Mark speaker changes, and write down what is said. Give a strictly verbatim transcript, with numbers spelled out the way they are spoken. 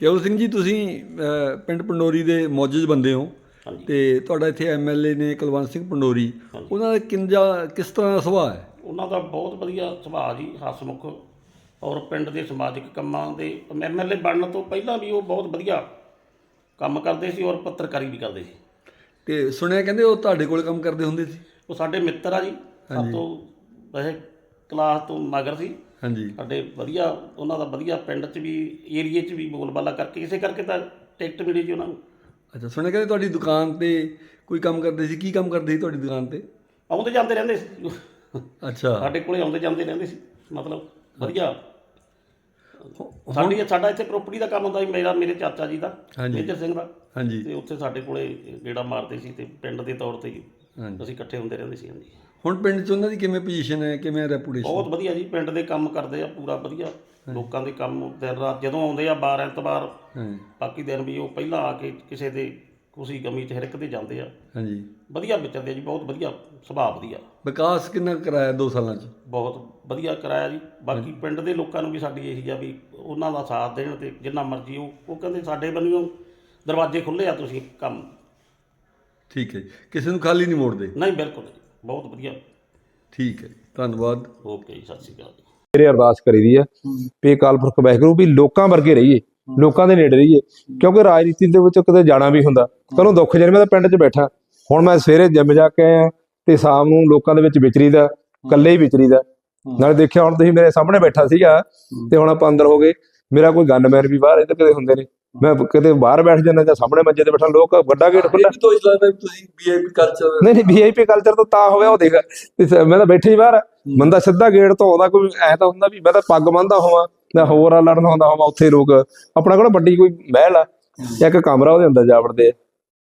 Speaker 1: ਕੇਵਲ ਸਿੰਘ ਜੀ, ਤੁਸੀਂ ਅ, ਪਿੰਡ ਪੰਡੋਰੀ ਦੇ ਮੌਜੂਦ ਬੰਦੇ ਹੋ ਤੇ ਤੁਹਾਡਾ ਇੱਥੇ ਐਮ ਐਲ ਏ ਨੇ ਕੁਲਵੰਤ ਸਿੰਘ ਪੰਡੋਰੀ, ਉਹਨਾਂ ਦਾ ਕਿੰਜਾ ਕਿਸ ਤਰ੍ਹਾਂ ਦਾ ਸੁਭਾਅ ਹੈ?
Speaker 2: ਉਹਨਾਂ ਦਾ ਬਹੁਤ ਵਧੀਆ ਸੁਭਾਅ ਜੀ, ਹਸਮੁਖ, ਔਰ ਪਿੰਡ ਦੇ ਸਮਾਜਿਕ ਕੰਮਾਂ ਦੇ ਐਮ ਐਲ ਏ ਬਣਨ ਤੋਂ ਪਹਿਲਾਂ ਵੀ ਉਹ ਬਹੁਤ ਵਧੀਆ ਕੰਮ ਕਰਦੇ ਸੀ ਔਰ ਪੱਤਰਕਾਰੀ ਵੀ ਕਰਦੇ ਸੀ।
Speaker 1: ਤੇ ਸੁਣਿਆ ਕਹਿੰਦੇ ਉਹ ਤੁਹਾਡੇ ਕੋਲ ਕੰਮ ਕਰਦੇ ਹੁੰਦੇ ਸੀ?
Speaker 2: ਉਹ ਸਾਡੇ ਮਿੱਤਰ ਆ ਜੀ, ਸਭ ਤੋਂ ਵੈਸੇ ਕਲਾਸ ਤੋਂ ਮਗਰ ਸੀ।
Speaker 1: ਹਾਂਜੀ।
Speaker 2: ਸਾਡੇ ਵਧੀਆ ਉਹਨਾਂ ਦਾ ਵਧੀਆ ਪਿੰਡ 'ਚ ਵੀ ਏਰੀਏ 'ਚ ਵੀ ਬੋਲਬਾਲਾ ਕਰਕੇ ਇਸੇ ਕਰਕੇ ਤਾਂ ਟਿਕਟ ਮਿਲੀ ਜੀ ਉਹਨਾਂ ਨੂੰ।
Speaker 1: ਅੱਛਾ, ਸੁਣਿਆ ਕਹਿੰਦੇ ਤੁਹਾਡੀ ਦੁਕਾਨ ਤੇ ਕੋਈ ਕੰਮ ਕਰਦੇ ਸੀ, ਕੀ ਕੰਮ ਕਰਦੇ ਸੀ ਤੁਹਾਡੀ ਦੁਕਾਨ ਤੇ?
Speaker 2: ਆਉਂਦੇ ਜਾਂਦੇ ਰਹਿੰਦੇ ਸੀ।
Speaker 1: ਅੱਛਾ।
Speaker 2: ਸਾਡੇ ਕੋਲੇ ਆਉਂਦੇ ਜਾਂਦੇ ਰਹਿੰਦੇ ਸੀ, ਮਤਲਬ ਵਧੀਆ। ਸਾਡੀ ਸਾਡਾ ਇੱਥੇ ਪ੍ਰੋਪਰਟੀ ਦਾ ਕੰਮ ਹੁੰਦਾ ਸੀ, ਮੇਰਾ ਮੇਰੇ ਚਾਚਾ ਜੀ ਦਾ, ਮੇਜਰ ਸਿੰਘ ਦਾ।
Speaker 1: ਹਾਂਜੀ।
Speaker 2: ਤੇ ਉੱਥੇ ਸਾਡੇ ਕੋਲੇ ਗੇੜਾ ਮਾਰਦੇ ਸੀ ਤੇ ਪਿੰਡ ਦੇ ਤੌਰ ਤੇ ਅਸੀਂ ਇਕੱਠੇ ਹੁੰਦੇ ਰਹਿੰਦੇ ਸੀ। ਹਾਂਜੀ।
Speaker 1: ਹੁਣ ਪਿੰਡ 'ਚ ਉਹਨਾਂ ਦੀ ਕਿਵੇਂ ਪੋਜੀਸ਼ਨ ਹੈ, ਕਿਵੇਂ ਰੈਪੂਟੇਸ਼ਨ?
Speaker 2: ਬਹੁਤ ਵਧੀਆ ਜੀ, ਪਿੰਡ ਦੇ ਕੰਮ ਕਰਦੇ ਆ ਪੂਰਾ ਵਧੀਆ, ਲੋਕਾਂ ਦੇ ਕੰਮ ਦਿਨ ਰਾਤ ਜਦੋਂ ਆਉਂਦੇ ਆ, ਬਾਰ ਐਤਵਾਰ, ਬਾਕੀ ਦਿਨ ਵੀ ਉਹ ਪਹਿਲਾਂ ਆ ਕੇ ਕਿਸੇ ਦੇ ਖੁਸ਼ੀ ਗਮੀ 'ਚ ਹਰ ਇੱਕ ਦੇ ਜਾਂਦੇ ਆ।
Speaker 1: ਹਾਂਜੀ।
Speaker 2: ਵਧੀਆ ਵਿਚਰਦੇ ਜੀ, ਬਹੁਤ ਵਧੀਆ ਸੁਭਾਅ ਵਧੀਆ।
Speaker 1: ਵਿਕਾਸ ਕਿੰਨਾ ਕਰਾਇਆ ਦੋ ਸਾਲਾਂ 'ਚ?
Speaker 2: ਬਹੁਤ ਵਧੀਆ ਕਰਾਇਆ ਜੀ। ਬਾਕੀ ਪਿੰਡ ਦੇ ਲੋਕਾਂ ਨੂੰ ਵੀ ਸਾਡੀ ਇਹੀ ਆ ਵੀ ਉਹਨਾਂ ਦਾ ਸਾਥ ਦੇਣ ਤੇ ਜਿੰਨਾ ਮਰਜ਼ੀ ਉਹ ਉਹ ਕਹਿੰਦੇ ਸਾਡੇ ਵੱਲੋਂ ਦਰਵਾਜ਼ੇ ਖੁੱਲ੍ਹੇ ਆ, ਤੁਸੀਂ ਕੰਮ।
Speaker 1: ਠੀਕ ਹੈ ਜੀ, ਕਿਸੇ ਨੂੰ ਖਾਲੀ ਨਹੀਂ ਮੋੜਦੇ?
Speaker 2: ਨਹੀਂ, ਬਿਲਕੁਲ ਜੀ, ਬਹੁਤ ਵਧੀਆ।
Speaker 1: ਠੀਕ ਹੈ ਜੀ, ਧੰਨਵਾਦ।
Speaker 2: ਓਕੇ ਜੀ, ਸਤਿ ਸ਼੍ਰੀ ਅਕਾਲ ਜੀ।
Speaker 3: ਮੇਰੇ ਅਰਦਾਸ ਕਰੀ ਦੀ ਹੈ ਵੀ ਅਕਾਲ ਪੁਰਖ ਵਾਹਿਗੁਰੂ ਵੀ ਲੋਕਾਂ ਵਰਗੇ ਰਹੀਏ, ਲੋਕਾਂ ਦੇ ਨੇੜੇ ਰਹੀਏ, ਕਿਉਂਕਿ ਰਾਜਨੀਤੀ ਦੇ ਵਿੱਚ ਕਿਤੇ ਜਾਣਾ ਵੀ ਹੁੰਦਾ। ਕੱਲੋਂ ਦੁੱਖ ਜਿਹੜੇ ਮੈਂ ਤਾਂ ਪਿੰਡ 'ਚ ਬੈਠਾ, ਹੁਣ ਮੈਂ ਸਵੇਰੇ ਜਿੰਮ ਜਾ ਕੇ ਆਇਆ ਤੇ ਸ਼ਾਮ ਨੂੰ ਲੋਕਾਂ ਦੇ ਵਿੱਚ ਵਿਚਰੀਦਾ, ਇਕੱਲੇ ਹੀ ਵਿਚਰੀਦਾ। ਨਾਲੇ ਦੇਖਿਆ ਹੁਣ ਤੁਸੀਂ ਮੇਰੇ ਸਾਹਮਣੇ ਬੈਠਾ ਸੀਗਾ ਤੇ ਹੁਣ ਆਪਾਂ ਅੰਦਰ ਹੋ ਗਏ। ਮੇਰਾ ਕੋਈ ਗਨਮੈਨ ਵੀ ਬਾਹਰ ਇੱਧਰ ਕਿਤੇ ਹੁੰਦੇ ਨੇ, ਮੈਂ ਕਿਤੇ ਬਾਹਰ ਬੈਠ ਜਾਂਦਾ ਜਾਂ ਸਾਹਮਣੇ ਮੰਜੇ ਤੇ ਬੈਠਾ, ਲੋਕ ਵੱਡਾ ਗੇਟ ਖੁੱਲ੍ਹਾ।
Speaker 1: ਤੁਸੀਂ ਵੀ ਆਈ ਪੀ ਕਲਚਰ?
Speaker 3: ਨਹੀਂ ਨਹੀਂ, ਵੀ ਆਈ ਪੀ ਕਲਚਰ ਤਾਂ ਤਾਂ ਹੋਇਆ, ਉਹ ਦੇਖ ਮੈਂ ਤਾਂ ਬੈਠੇ ਹੀ ਬਾਹਰ, ਬੰਦਾ ਸਿੱਧਾ ਗੇਟ ਤੋਂ ਆਉਂਦਾ, ਕੋਈ ਐ ਤਾਂ ਹੁੰਦਾ ਵੀ ਮੈਂ ਤਾਂ ਪੱਗ ਬੰਨ੍ਹਦਾ ਹੋਵਾਂ ਜਾਂ ਹੋਰ ਲੜਨਾ ਹੁੰਦਾ ਹੋਵਾਂ। ਉੱਥੇ ਲੋਕ ਆਪਣਾ ਕੋਲ ਵੱਡੀ ਕੋਈ ਮਹਿਲ ਆ, ਇੱਕ ਕਮਰਾ, ਉਹਦੇ ਅੰਦਰ ਜਾ ਵੜਦੇ ਆ।